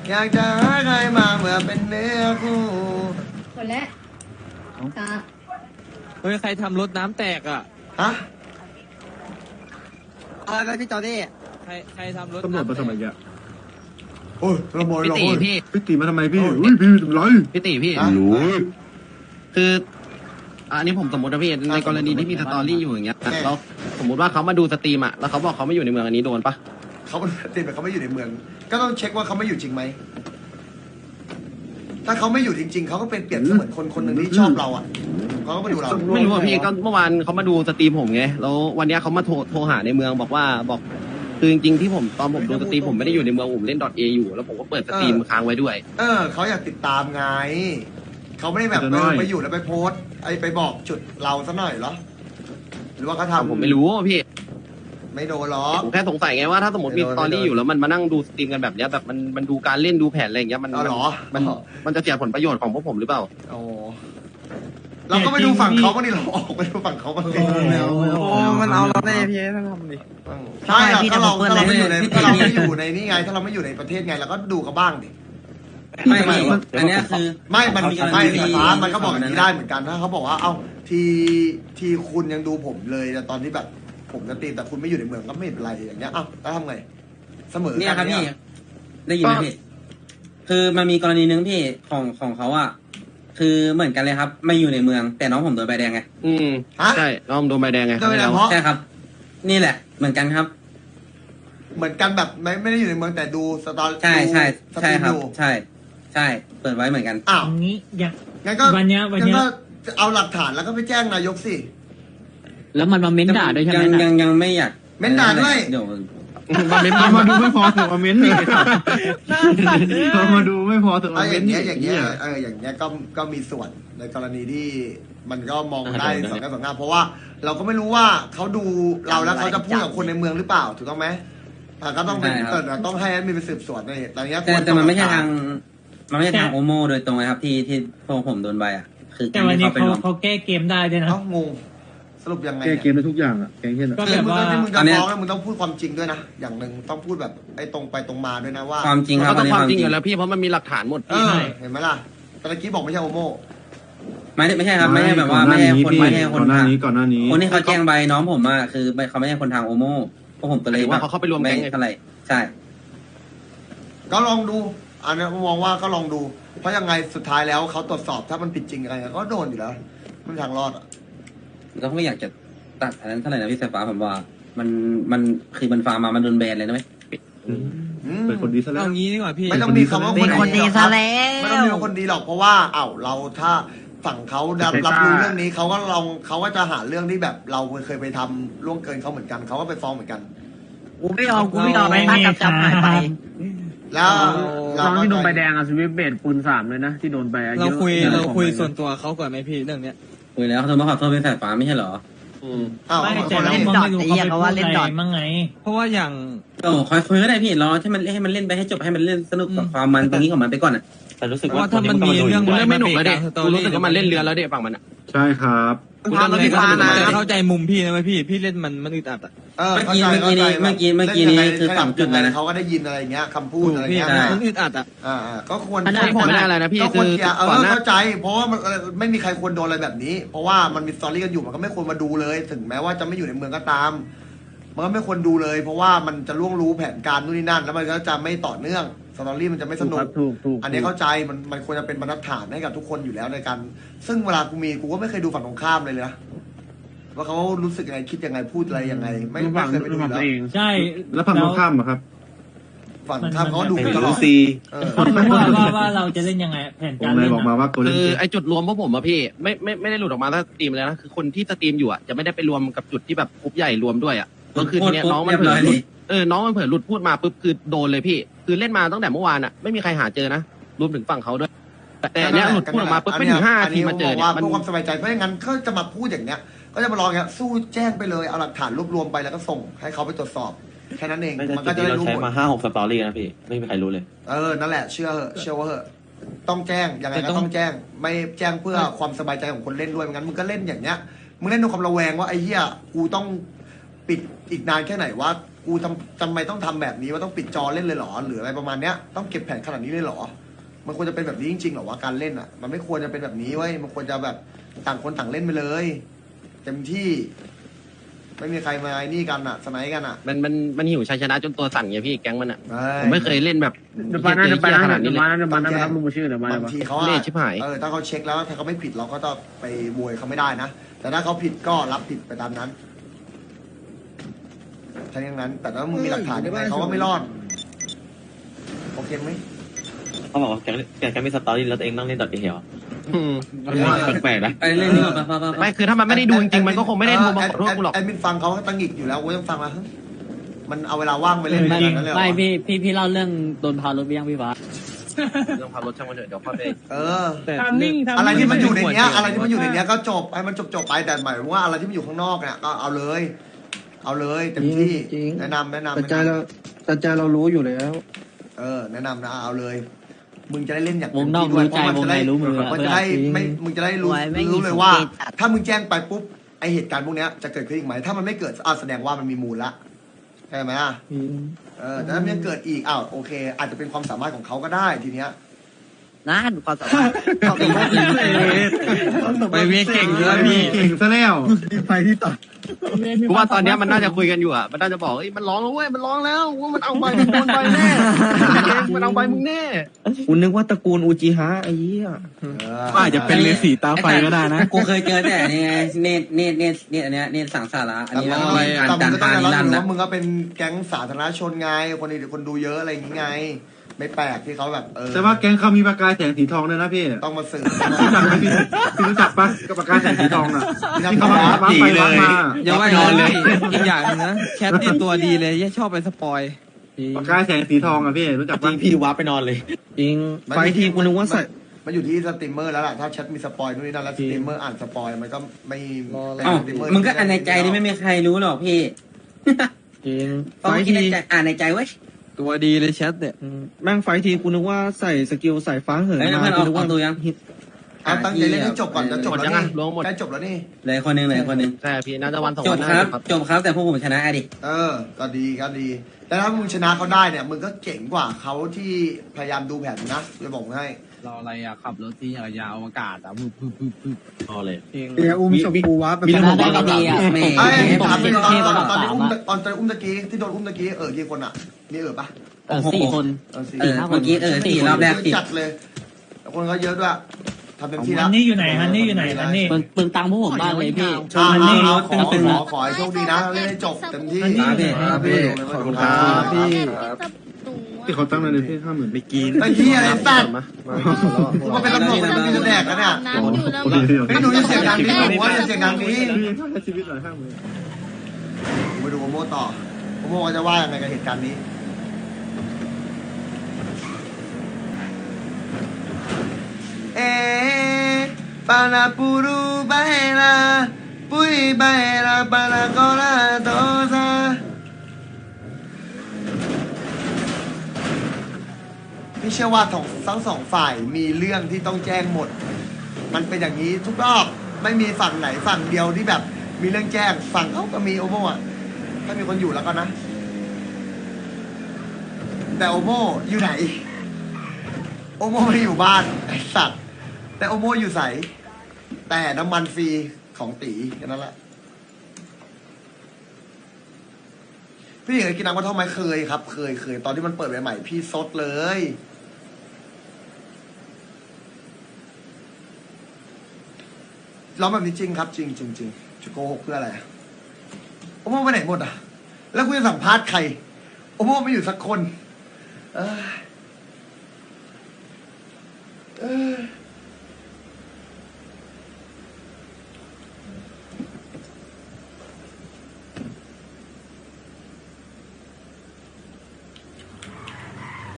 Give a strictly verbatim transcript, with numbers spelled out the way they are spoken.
อยากจะหาใครมาเมื่อเป็นเนื้อคู่คนแรกตาเฮ้ยใครทำรถน้ำแตกอ่ะฮะอะไรพี่จอร์ดี้ใครใครทำรถตำรวจมาทำไมอ่ะโอ้ยตำรวจพี่ตีพี่พี่ตีมาทำไมพี่อุ้ยพี่ทำไรพี่ตีพี่รู้คืออันนี้ผมสมมตินะพี่ในกรณีที่มีสตอรี่อยู่อย่างเงี้ยแล้วสมมติว่าเขามาดูสตรีมอ่ะแล้วเขาบอกเขาไม่อยู่ในเมืองอันนี้โดนปะเขาติดแบบเขาไม่อยู่ในเมืองก็ต้องเช็คว่าเขาไม่อยู่จริงไหมถ้าเขาไม่อยู่จริงๆเขาก็เป็นเปรียบเสมือนคนคนหนึ่งที่ชอบเราอ่ะเขาก็มาดูเราไม่รู้อ่ะพี่ก็เมื่อวานเขามาดูสตรีมผมไงแล้ววันนี้เขามาโทรโทรหาในเมืองบอกว่าบอกคือจริงๆที่ผมตอนผมดูสตรีมผมไม่ได้อยู่ในเมืองผมเล่น .a อยู่แล้วผมก็เปิดสตรีมค้างไว้ด้วยเออเขาอยากติดตามไงเขาไม่ได้แบบเออไปอยู่แล้วไปโพสไอไปบอกจุดเราซะหน่อยเหรอหรือว่าเขาทำผมไม่รู้พี่ไม่โดนหรอกผมแค่สงสัยไงว่าถ้าสมมติมีสตอรี่อยู่แล้วมันมานั่งดูสตรีมกันแบบเนี้ยแบบมันมันดูการเล่นดูแผนอะไรอย่างเงี้ยมันมันมันจะเสียผลประโยชน์ของพวกผมหรือเปล่าโอ้เราก็ไปดูฝั่งเขาบ้างดิเราออกไปดูฝั่งเขาบ้างดิโอ้มันเอาเราได้พี่ถ้าทำดิใช่ถ้าเราถ้าเราไม่อยู่ในถ้าเราไม่อยู่ในนี่ไงถ้าเราไม่อยู่ในประเทศไงเราก็ดูเขาบ้างดิไม่ไม่อันนี้คือไม่มันไม่สตาร์มันก็บอกอย่างนี้ได้เหมือนกันถ้าเขาบอกว่าเอ้าทีทีคุณยังดูผมเลยแต่ตอนที่แบบผมจะตีแต่คุณไม่อยู่ในเมืองก็ไม่เป็นไรอย่างเงี้ยอ้าวแล้วทำไงเสมอเนี่ยครับพี่ได้ยินไหมพี่คือมันมีกรณีนึงพี่ของของเขาอ่ะคือเหมือนกันเลยครับไม่อยู่ในเมืองแต่น้องผมโดนใบแดงไงอืมใช่น้องโดนใบแดงไงโดนใบแดงเพราะใช่ครับนี่แหละเหมือนกันครับเหมือนกันแบบไม่ไม่ได้อยู่ในเมืองแต่ดูสตอรี่ใช่ใช่ใช่ครับใช่ใช่เปิดไว้เหมือนกันอ้าวงี้อย่างงั้นก็วันนี้วันนี้ก็เอาหลักฐานแล้วก็ไปแจ้งนายกสิแล้วมันมาเม้นด่าด้วยใช่ไหมยังยังยังไม่อยากเม้นด่าด้วยเดี๋ยวมาเม้นมาดูไม่พอถึงมาเม้นอีกมาดูไม่พอถึงมาเม้นอย่างเงี้ยอย่างเงี้ยเอออย่างเงี้ยก็ก็มีส่วนในกรณีที่มันก็มองได้สองแง่สองงามเพราะว่าเราก็ไม่รู้ว่าเขาดูเราแล้วเขาจะพูดกับคนในเมืองหรือเปล่าถูกต้องไหมก็ต้องเป็นเออต้องให้มีไปสืบสวนในตอนนี้แต่มันไม่ใช่ทางมันไม่ใช่ทางโอโมโดยตรงนะครับที่ที่พวกผมโดนใบอ่ะคือแต่วันนี้เขาเขาแก้เกมได้ด้วยนะงงสรุปยังไงแก้เกมได้ทุกอย่างอ่ะแก้เช่นก็แบบว่าที่มึงจะฟ้องแล้วมึงต้องพูดความจริงด้วยนะอย่างหนึ่งต้องพูดแบบไอ้ตรงไปตรงมาด้วยนะว่าความจริงครับต้องความจริงอยู่แล้วพี่เพราะมันมีหลักฐานหมดพี่เห็นไหมล่ะตะกี้บอกไม่ใช่โอโมไม่ไม่ใช่ครับไม่ใช่แบบว่าไม่ใช่คนไม่ใช่คนทางนี้ก่อนหน้านี้คนที่เขาแจ้งใบน้องผมอ่ะคือเขาไม่ใช่คนทางโอโมพวกผมก็เลยว่าเขาเข้าไปรวมแก๊งอะไรใช่ก็ลองดูอันนี้มองว่าก็ลองดูเพราะยังไงสุดท้ายแล้วเขาตรวจสอบถ้ามันผิดจริงอะไรก็โดนอยู่แล้วไม่มีทางรอดอ่ะเราไม่อยากจะตัดอันนั้นเท่าไหร่นะพี่สายฟ้าผมว่ามันมันคือมันฟาร์มมามันโดนแบนเลยนะไหมเป็นคนดีซะแล้วเอางี้ดีกว่าพี่ไม่ต้องมีคำว่าคนดีซะแล้วไม่ต้องมีคนดีหรอกเพราะว่าเอ้าเราถ้าฝั่งเขารับรับรู้เรื่องนี้เขาก็ลองเขาก็จะหาเรื่องที่แบบเราเคยไปทำล่วงเกินเขาเหมือนกันเขาก็ไปฟ้องเหมือนกันกูไม่ยอมกูไม่ยอมไปตั้งกับจับหายไปแล้วน้องที่โดนใบแดงอะสวิปเบดปูนสามเลยนะที่โดนไปเราคุยเราคุยส่วนตัวเขาก่อนไหมพี่เรื่องเนี้ยคุยแล้วเขาโทรมาขอโทษเป็นสายฟ้าไม่ใช่เหรออืมอ้าวไม่แต่เล่นดอทไอ้ยังเขาว่าเล่นดอทมั้งไงเพราะว่าอย่างโอ้คอยคุยก็ได้พี่รอให้มันให้มันเล่นไปให้จบให้มันเล่นสนุกกับความมันตรงนี้ของมันไปก่อนอ่ะแต่รู้สึกว่าถ้ามันมีเรื่องเรื่องไม่หนุกแล้วเด็กรู้สึกว่ามันเล่นเรือแล้วเด็กฝั่งมันอ่ะใช่ครับคุณทำอะไรก็เข้าใจมุมพี่นะไหมพี่พี่เล่นมันมันอึดอัดอ่ะเมื่อกี้เมื่อกี้นี้เมื่อกี้เมื่อกี้นี้คือสองจุดเลยนะเขาก็ได้ยินอะไรเงี้ยคำพูดอะไรเงี้ยมันอึดอัดอ่ะอ่าก็ควรไม่ได้อะไรนะพี่คือเออเข้าใจเพราะว่ามันไม่มีใครควรโดนอะไรแบบนี้เพราะว่ามันมีสตอรี่กันอยู่มันก็ไม่ควรมาดูเลยถึงแม้ว่าจะไม่อยู่ในเมืองก็ตามมันก็ไม่ควรดูเลยเพราะว่ามันจะล่วงรู้แผนการนู่นนี่นั่นแล้วมันก็จะไม่ต่อเนื่องสตอรี่มันจะไม่สนุกอันนี้เข้าใจมันมันควรจะเป็นบรรทัดฐานให้กับทุกคนอยู่แล้วในการซึ่งเวลากูมีกูก็ไม่เคยดูฝั่งตรงข้ามเลยเลยนะว่าเขารู้สึกยังไงคิดยังไงพูดอะไรยังไงไม่ไม่เคยไปดูแล้วใช่แล้วฝั่งตรงข้ามอะครับฝั่งข้ามเขาดูตลอดว่าว่าว่าเราจะเล่นยังไงแผนการเล่นบอกมาว่าคือไอจุดรวมพวกผมอะพี่ไม่ไม่ไม่ได้หลุดออกมาถ้าสตรีมเลยนะคือคนที่สตรีมอยู่อะจะไม่ได้ไปรวมกับจุดที่แบบกรุ๊ปใหญ่รวมด้วยอะก็คือทีเนี้ยน้องมันเผลอหลุดเออน้องมันเผลอหลุดพูดมาปุ๊บคือโดนเลยพี่คือเล่นมาตั้งแต่เมื่อวานอะไม่มีใครหาเจอนะรวมถึงฝั่งเขาด้วยแต่เนี้ยหลุดพูดออกมาปุ๊บไม่ถึงห้าทีมาเจอเนี่ยมันเพื่อความสบายใจเพราะงั้นเขาจะมาพูดอย่างเนี้ยก็จะมาลองเงี้ยสู้แจ้งไปเลยเอาหลักฐานรวบรวมไปแล้วก็ส่งให้เขาไปตรวจสอบแค่นั้นเองมันก็จะได้รู้ใช้มาห้าหกสตอรี่นะพี่ไม่มีใครรู้เลยเออนั่นแหละเชื่อเหอะเชื่อว่าเหอะต้องแจ้งยังไงก็ต้องแจ้งไม่แจ้งเพื่อความสบายใจของคนเล่นด้วยงั้นมึงก็เล่นอย่างเนี้ยมึงเล่นด้วยความระแวงว่าไอ้เหี้ยกูต้องปิดอีกนานแค่ไหนว่ากูทำจำไมต้องทำแบบนี้ว่าต้องปิดจอเล่นเลยเหรอหรืออะไรประมาณเนี้ยต้องเก็บแผนขนาดนี้เลยเหรอมันควรจะเป็นแบบนี้จริงๆเหรอว่าการเล่นอ่ะมันไม่ควรจะเป็นแบบนี้เว้ยมันควรจะแบบต่างคนต่างเล่นไปเลยเต็มที่ ไม่มีใครมาไอ้นี่กันอ่ะสไนด์กันอ่ะมันมันมันหิวชัยชนะจนตัวสั่นไงพี่แก๊งมันอ่ะใช่ผมไม่เคยเล่นแบบเดี๋ยวไปนะเดี๋ยวไปนะขนาดนี้เดี๋ยวเลยมานะเดี๋ยวมานะรับลุงชื่อเดี๋ยวมาบางทีเขาอะเละชิบหายเออถ้าเขาเช็คแล้วถ้าเขาไม่ผิดเราก็ต้องไปบวยเขาไม่ได้นะแต่ถ้าเขาผิดก็รับผิดไปตามนั้นแค่นั้น แต่ถ้ามึงมีหลักฐานยังไงเขาก็ไม่รอดโอเคไหมเขาบอกว่าแกแกแกไม่สตอรี่แล้วตัวเองนั่งเล่นดอทเอเหรออืมแปลกๆนะไปเล่นดีกว่าป่ะป่ะไม่คือถ้ามันไม่ได้ดูจริงๆมันก็คงไม่ได้โทรมาขอโทษกูหรอกแอดมินฟังเขาก็ตั้งหงิกอยู่แล้วกูต้องฟังแล้วมันเอาเวลาว่างไปเล่นแบบนั้นเลยเหรอไม่พี่พี่พี่เล่าเรื่องโดนพารถไปยังพี่ฟ้าเรื่องพารถช่างมันเถอะเดี๋ยวค่อยไปเออทำนิ่งอะไรที่มันอยู่ในเนี้ยอะไรที่มันอยู่ในเนี้ยก็จบให้มันจบจบๆไปแต่หมายถึงว่าอะไรที่มันอยู่ข้างนอกเนี่ยก็เอาเลย เอาเลยเต็มที่แนะนำแนะนำแต่ใจเราแต่ใจเรารู้อยู่แล้วเออแนะนำนะเอาเลย มึงจะได้เล่นอย่างวงนอกเต็มที่รู้ใจเพราะวงในรู้มือมันจะได้ไม่มึงจะได้รู้ไว้ไม่รู้มีเลยว่าสังเกตจัดถ้ามึงแจ้งไปปุ๊บไอเหตุการณ์พวกเนี้ยจะเกิดขึ้นอีกไหมถ้ามันไม่เกิดอ่ะแสดงว่ามันมีมูลละใช่ไหมอ่ะเออแต่ถ้ามันยังเกิดอีกอ้าวโอเค อาจจะเป็นความสามารถของเขาก็ได้ทีเนี้ยนั่นความสามารถความสามารถไปเวเก่งด้วยพี่เก่งซะแล้วไปที่ต่อกูว่าตอนเนี้ยมันน่าจะคุยกันอยู่อ่ะ มันน่าจะบอกเอ้ยมันร้องแล้วเว้ย มันร้องแล้วว่ามันเอาใบมึงโดนใบแน่มันเอาใบมึงแน่คุณนึกว่าตระกูลอูจิฮะไอ้เหี้ยเออก็อาจจะเป็นเลสีตาไฟก็ได้นะกูเคยเจอแต่นี่ไงเนตเนตเนตเนตอันเนี้ยเนตสังสาระอันนี้แต่แล้วมึก็งมีการแต่จัมึนงก็ต้อทางยอมรับนิรันดร์ว่านะมึงก็เป็นแก๊งสาธารณชนไงคนอื่นคนดูเยอะอะไรอย่างงี้ไง ไม่แปลกที่เขาแบบเออแต่ว่าแก๊งเขามีประกายแสงสีทองด้วยนะพี่ต้องมาสืบรู้จักไหมพี่พี่รู้จักปะกับประกายแสงสีทองน่ะที่เขามาวัดไปวัดมาอย่าว่านอนเลย อีกอย่างหนึงนะแคทนี่ตัวดีเลยแย่ชอบไปสปอยประกายแสงสีทองอ่ะพี่รู้จักจริปะงพี่วับไปนอนเลยจริงไฟทีกูนึกว่าใส่มันอยู่ที่สตรีมเมอร์แล้วล่ะถ้าแชทมีสปอยนู่นนี่นั่นแล้วสตรีมเมอร์อ่านสปอยมันก็ไม่เป็นเอ้าสตรีเมอร์มึงก็อ่านในใจนี่ไม่มีใครรู้หรอกพี่จริงต้องไฟคิดทีในใจอ่านในใจเว้ยตัวดีเลยแชทเนี่ยแม่งไฟทีกูนึกว่าใส่สกิลใส่ฟ้าเหินเฮ้ยมาเพื่อนกูเอานึกว่าเอาตัวยังเอาตั้งใจเล่นให้จบก่อนจะจบหมดแล้วยังนี่อ่ะรวมหมดใกล้จบแล้วนี่เหลยคนหนึงเหลยคนหนึงใช่พี่น่าจะวันสองจวับนครับนะครับจบครับแต่พวกผมชนะอะดิเออ ก็ดีก็ดี แต่ถ้ามึงชนะเขาได้เนี่ยมึงก็เจ๋งกว่าเขาที่พยายามดูแผนนะจะบอกให้รออะไรอ่ะขับรถที่ยาวอากาศอ่ะพึบพึบพึบพึบพอเลยเดี๋ยวอุ้มชมพูวับไปมีชเรื่องนะผมได้ว่าก็ดีอ่ะแหม่ไอ้ผมถามเป็เป็น นตอนเทพตอนระตอนดับที่สามอุ้มอ่ะตอนตอนอุ้มตะกี้ที่โดนอุ้มตะกี้เออกี่คนอ่ะมีเออปะเออสี่คนเออสี่เออเมื่อกี้เออสี่รอบแรกสี่จัดเลยแต่คนเขาเยอะด้วยทำเต็มที่ฮัแล้วนนี่อยู่ไหนฮันนี่อยู่ไหนฮันนี่เปลืองเปลืองตังค์พวกผมมากเลยพี่อ่าฮันนี่เอารถขอเป็นขอขอให้โชคดีนะเล่นให้จบเต็มที่ครับพี่ครับพี่ขอบคุณครับพี่ที่เขาตั้งเลยพี่ห้าหมื่นไม่กินไอ้ที่อะไรสัตว์มากูก็เป็นตำรวจมันมีแดกกันเนี่ยน้ำอยู่แล้วไม่หนูจะเสียงดังนี้หนูว่าจะเสียงดังนี้ให้ชีวิตหน่อยห้าหมื่นไปดูโอโมต่อโอโมจะว่ายังไงกับเหตุการณ์นี้เอปานาปูรูไบลาปุยไบลาปานาโกลาโตซาพี่เชื่อว่าทั้งทั้งสองฝ่ายมีเรื่องที่ต้องแจ้งหมด มันเป็นอย่างนี้ทุกรอบไม่มีฝั่งไหนฝั่งเดียวที่แบบมีเรื่องแจ้งฝั่งเขาก็มีโอโมอ่ะถ้ามีคนอยู่แล้วก็นะ แต่โอโมอยู่ไหน โอโมไม่อยู่บ้านไอสัตว์แต่โอโมอยู่ใสแต่น้ำมันฟรีของตีแค่นั้นแหละพี่เคยกินน้ำกระท่อมไหมเคยครับ เคยเคยตอนที่มันเปิดใหม่ๆพี่ซดเลยร้องแบบนี้จริงครับ จริงจริงจริงจะโกหกเพื่ออะไรอะโอโมไปไหนหมดอ่ะ แล้วกูจะสัมภาษณ์ใครโอโมไม่อยู่สักคน เออเออ